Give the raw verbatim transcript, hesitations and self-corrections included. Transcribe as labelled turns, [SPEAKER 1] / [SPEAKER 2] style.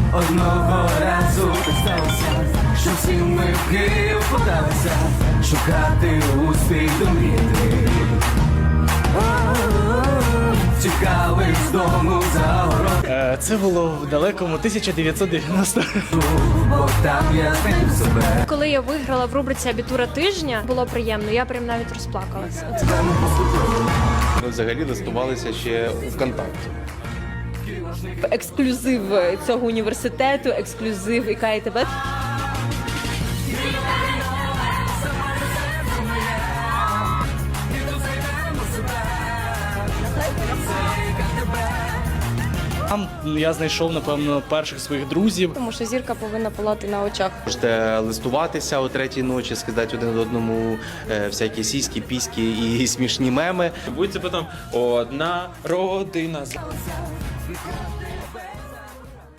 [SPEAKER 1] Одного разу так сталося, що всі ми в Київ подалися шукати успіх до мрії. Тікали з дому за город.
[SPEAKER 2] Е, Це було в далекому тисяча дев'ятсот дев'яностому.
[SPEAKER 1] Бо там я знайду себе.
[SPEAKER 3] Коли я виграла в рубриці «Абітура тижня», було приємно, я прям навіть розплакалася. Оце.
[SPEAKER 4] Ми взагалі листувалися ще у ВКонтакті.
[SPEAKER 5] Ексклюзив цього університету, ексклюзив ІК і ТБ.
[SPEAKER 2] Там я знайшов, напевно, перших своїх друзів.
[SPEAKER 3] Тому що зірка повинна палати на очах.
[SPEAKER 4] Можете листуватися о третій ночі, скидати один одному е, всякі сіські, піськи і смішні меми.
[SPEAKER 6] Будь це потім одна родина.